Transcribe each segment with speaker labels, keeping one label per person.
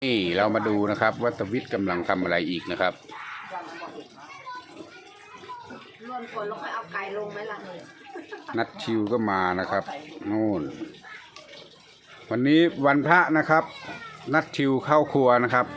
Speaker 1: นี่เรามาดูนะครับว่าตวิทย์กำลังทำอะไรอีกนะครับ
Speaker 2: รวนคนแล้วค่อยเอาไก่ลงไหมล่ะ
Speaker 1: นัดชิวก็มานะครับนู่นวันนี้วันพระนะครับนัดชิวเข้าครัวนะครับ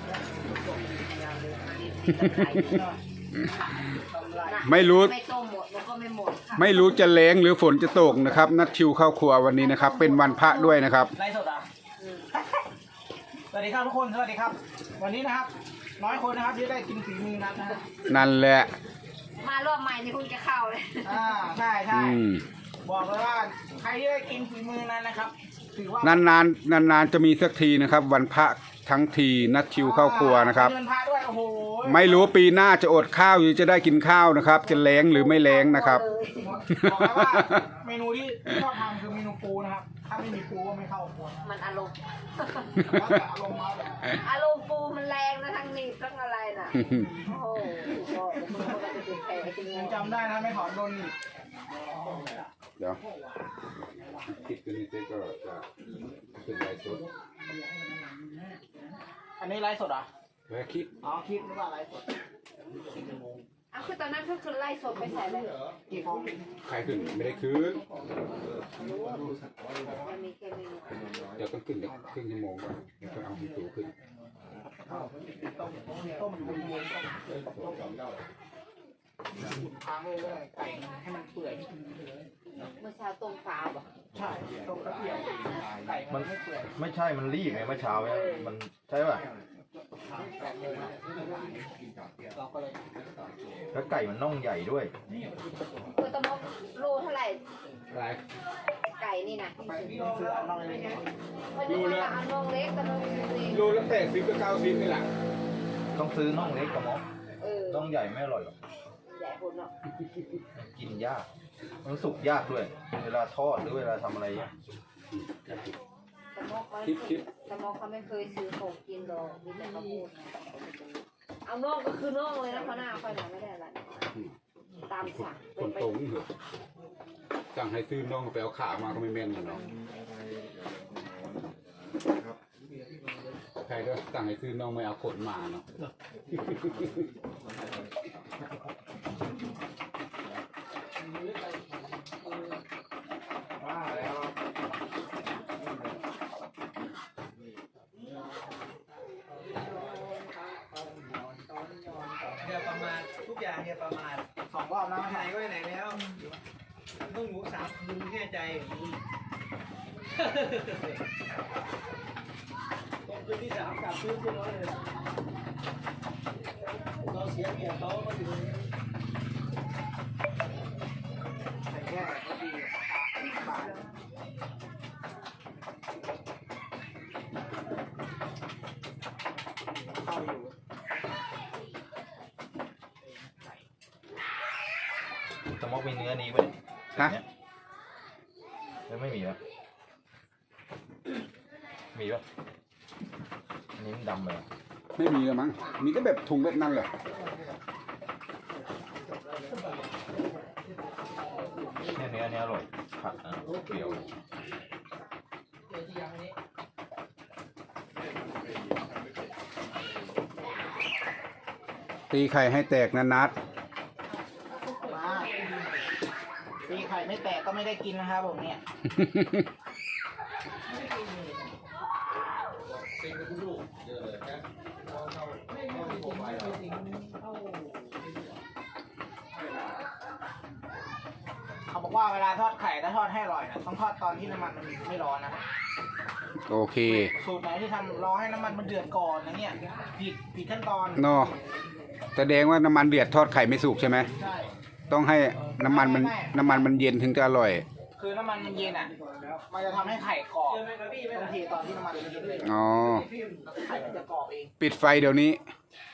Speaker 1: ไม่รู้ไม่รู้จะแล้งหรือฝนจะตกนะครับนัดชิวเข้าครัววันนี้นะครับเป็นวันพระด้วยนะครับ
Speaker 3: ไลฟ์สดอ่ะสวัสดีครับทุกคนสวัสดีครับวันนี้นะครับน้อยคนนะครับที่ได้กินฝีมือนัดนะฮะ
Speaker 1: นั่นแหละ
Speaker 2: มารอบใหม่นี่คุณจะเข้าเลย
Speaker 3: ใช่ใช่บอกเลยว่าใครที่ได้กินฝีมือนั้นนะครับถือว่าน
Speaker 1: านจะมีสักทีนะครับวันพระทั้งทีนัดชิวเข้าครัวนะครับ
Speaker 3: เงินพระด้วยโอ้โห
Speaker 1: ไม่รู้ปีหน้าจะอดข้าวหรือจะได้กินข้าวนะครับจะแล้งหรือไม่แล้งนะครับ
Speaker 3: บอกแล้วว่าเมนูที่ชอบทำคือเมนูปูนะครับถ้าไม่มีปูก็ไม่เข้าครัว
Speaker 2: มันอารมณ์
Speaker 3: อารมณ์มาแบบ
Speaker 2: อารมณ์ปูมันแรงนะทั้งนี้ทั้งอะไรน่ะโอ้โห
Speaker 3: ยังจำได้นะไม่ถอนโดน
Speaker 1: เดี๋ยวคิดกันนี่ก็จะเป็นไลฟ์สด
Speaker 3: อันนี้ไลฟ์สดอ่ะ
Speaker 1: แล้วคิด
Speaker 3: คิดหรือว่าไลฟ์สด
Speaker 2: คือตอนนั้นคือไล่สดไปใส่เลย
Speaker 3: กี่ฟอง
Speaker 1: ใครขึ้นไม่ได้คืนเดี๋ยวต้องขึ้นเดี๋ยวครึ่งชั่วโมงก่อนเดี๋ยวเอาให้สูงขึ้น
Speaker 3: ต้มค้างเลยไก่ให้มันเปื่อย
Speaker 2: เมื่อเช้าต้มฟ้าป่ะ
Speaker 3: ใช่ต้มกระเทียมไก่
Speaker 4: มันไม่ใช่มันรีบไงเมื่อเช้าเนี่ยมันใช่ป่ะแล้วไก่มันน่องใหญ่ด้วย
Speaker 2: คือตะมกโลเท่าไหร่ไก่นี่นะโลละน่องเล็กกับน่องเล็ก
Speaker 1: โลละ80 กับ 90นี่แหละ
Speaker 4: ต้องซื้อน่องเล็กกับมอน่องใหญ่ไม่อร่อยหรอก
Speaker 2: ใหญ่คนเนาะ
Speaker 4: กินยากมันสุกยากด้วยเวลาทอดหรือเวลาทำอะไรเนี่ย
Speaker 2: ตะมกเขาไม่เคยซื้อของกินหรอกมีแต่เขาพูดเอาน่องก็คือน่องเลยนะเพราะหน้าค่อยหนาไม่ได้อะไรตามสั่ง
Speaker 1: คนตรงเหรอสั่งให้ซื้อน่องไปเอาขามาก็ไม่แม่นเนาะใครก็สั่งให้ซื้อน่องไม่เอาขนมาเนาะ
Speaker 3: ประมาณทุกอย่างเนี่ยประมาณ2 รอบนะไหนก็ไหนแล้วต้องหมู3 คืนแน่ใจต้องคืนที่3กลับซื้อขึ้นรถเลยเราเสียเกียรติเขาก็ถึงแต่แค่ก็ดีบาทเข้าอยู่
Speaker 4: ตะมอกมีเนื้อนี้ไหม
Speaker 1: ฮะ
Speaker 4: ไม่มีแล้วมีป่ะอันนี้มันดำเลย
Speaker 1: ไม่มีแล้วมั้งมีก็แบบถุงแบบนั้นแหละ
Speaker 4: เนื้ออร่อยผัดนะเปรี้ยว
Speaker 1: ตีไข่ให้แตกนะนัด
Speaker 3: ตีไข่ไม่แตกก็ไม่ได้กินนะครับผมเนี่ยเขาบอกว่าเวลาทอดไข่ถ้าทอดให้อร่อยนะต้องทอดตอนที่น้ำมันมันไม่ร้อนนะ
Speaker 1: โอเค
Speaker 3: สูตรไหนที่ทำรอให้น้ำมันมันเดือดก่อนนะเนี่ยผิดขั้นตอน
Speaker 1: เนาะแสดงว่าน้ำมันเดือดทอดไข่ไม่สุกใช่ไหม
Speaker 3: ใช่
Speaker 1: ต้องให้น้ำมันมันเย็นถึงจะอร่อย
Speaker 3: คือน้ำมันมันเย็นอ่ะมันจะทำให้ไข่กรอบต้องเทตอนที่น้ำมันมันเย็นเลย
Speaker 1: อ๋อ
Speaker 3: ไข่มันจะกรอบเอง
Speaker 1: ปิดไฟเดี๋ยวนี้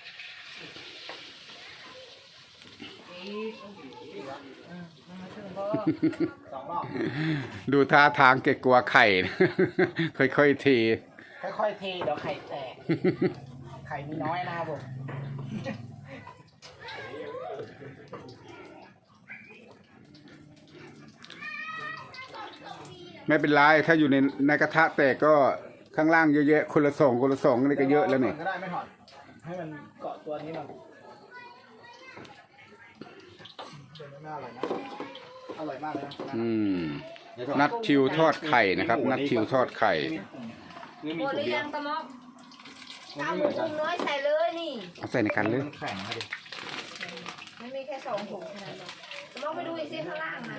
Speaker 1: ดูท่าทางเกกลัวไข่ค่อยๆที
Speaker 3: ค่อยๆทีเดี๋ยวไข่แตกไข่มีน้อยนะครับผม
Speaker 1: ไม่เป็นไรถ้าอยู่ในกระทะแตกก็ข้างล่างเยอะแยะคนละสองนี่ก็เยอะแล้วนี่
Speaker 3: ก็ได้ไม่ถอดให้มันเกาะตัวนี้มันเป็นน่าอร่อยนะอร่อยมากเลยนะ
Speaker 1: อืมนัดทิวทอดไข่นะครับ นัดทิวทอดไข่
Speaker 4: นี่
Speaker 2: ห
Speaker 4: มี
Speaker 2: มด
Speaker 4: ถุ
Speaker 2: ห
Speaker 4: ง
Speaker 2: รือ
Speaker 4: เดีย
Speaker 2: ยั
Speaker 4: ว
Speaker 2: งตะมอกเอาหมูปรุงน้อยใส่เลยนี่
Speaker 1: เอาใส่ในกันเลย
Speaker 4: มันแข็งนะดิ
Speaker 2: มันมีแค่2 ถุงเท่านั้นเองตะมอกไปดูอีกซิข้างล่างนะ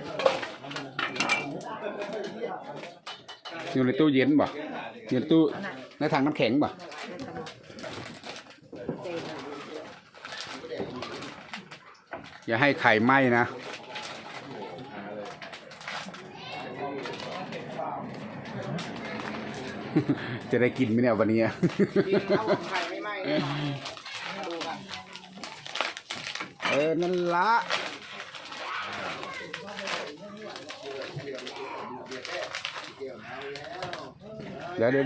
Speaker 1: อยู่ในตู้เย็นบ่อยู่ในตู้ในถังน้ำแข็งบ่อย่าให้ไข่ไหม้นะ จะได้กินไหมเนี่ยวันนี้
Speaker 3: กินข้าวไข่ไม่ไหม้แน่นอนดูกัน
Speaker 1: นั่นละเดี๋ยว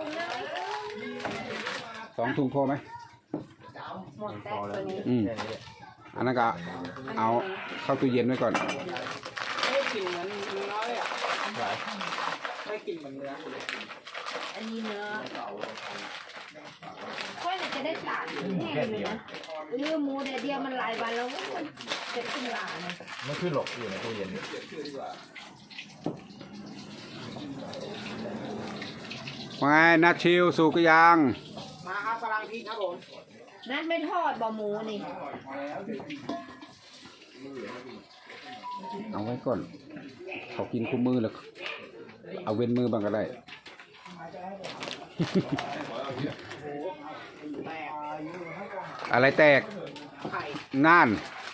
Speaker 1: 2 ถุงพอไหม
Speaker 2: หมดแต่ตัวนี้
Speaker 1: อืม
Speaker 4: แค่นี้แหละ
Speaker 1: อันนั้นก็เอาเข้าตู้เย็นไว้ก่อน
Speaker 3: ไม่ได้กลิ่นเหมือนเนื้อเลยอ่ะไม่ได้กลิ่นเหมือนเนื้อ
Speaker 2: อันนี้เนื้อค่อยจะได้ตากแห้งเลยนะเนื้อหมูเดียวมันหลายวันแล้วมันจะขึ้นลานะ
Speaker 4: ไม่ขึ้นหรอกอยู่ในตู้เย็น
Speaker 1: ว่าไงนัดชิวสุกยาง
Speaker 3: มาครับกำลังพริกครับผม
Speaker 2: นัดไม่ทอดบะหมูนี่
Speaker 1: เอาไว้ก่อน เขากินคู่มือแล้ว เอาเว้นมือบ้างก็ได้ อะไรแตก
Speaker 3: ไข่
Speaker 1: น่าน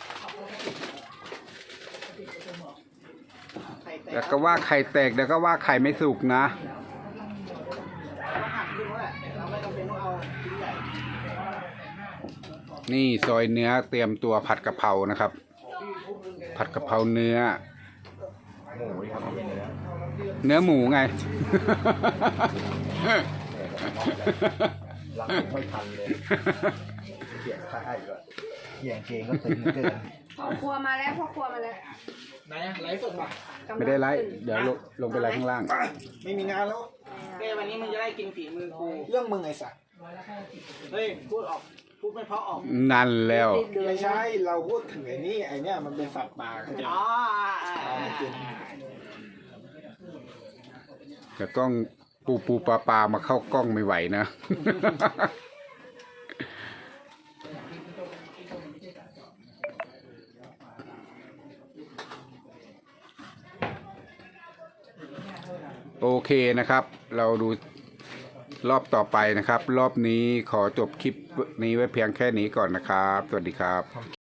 Speaker 3: ไข่แต
Speaker 1: เดี๋ย
Speaker 3: ก
Speaker 1: วก็ว่าไข่แตกเดี๋ยวก็ว่าไข่ไม่สุกนะ
Speaker 3: เราหั่นขึ้นแล้วแหละเราไม่จำเป็นต้องเอาชิ้นใหญ่
Speaker 1: นี่ซอยเนื้อเตรียมตัวผัดกะเพรานะครับ ผัดกะเพราเนื้อ
Speaker 4: หมูที่ทำเป็นเนื้อ
Speaker 1: เนื้อหมูไง
Speaker 4: รักไม่ค่อยทันเลยเขียงค่ายก็เขียงเกงก็ตึงเกิน
Speaker 2: พ่อครัวมาแล้วพ่อครัวมาแล้ว
Speaker 3: ไหนอะไลฟ์สดป่ะ
Speaker 1: ไม่ได้ไลฟ์เดี๋ยวลงไปไลฟ์ข้างล่าง
Speaker 3: ไม่มีงานแล้วเอ้วันนี้มึงจะได้กินฝีมือกูเรื่องมึงไอ้สัสเฮ้ยพูดไม่เพราะออก
Speaker 1: นั่นแล้ว
Speaker 3: ไม่ใช่เราพูดถึงไอ้นี่ไอ้เนี่ยมันเป็นสัตว์ป่าเขาจะอ๋อ
Speaker 1: แต่กล้องปูปลามาเข้ากล้องไม่ไหวนะ โอเคนะครับ เราดูรอบต่อไปนะครับ รอบนี้ขอจบคลิปนี้ไว้เพียงแค่นี้ก่อนนะครับ สวัสดีครับ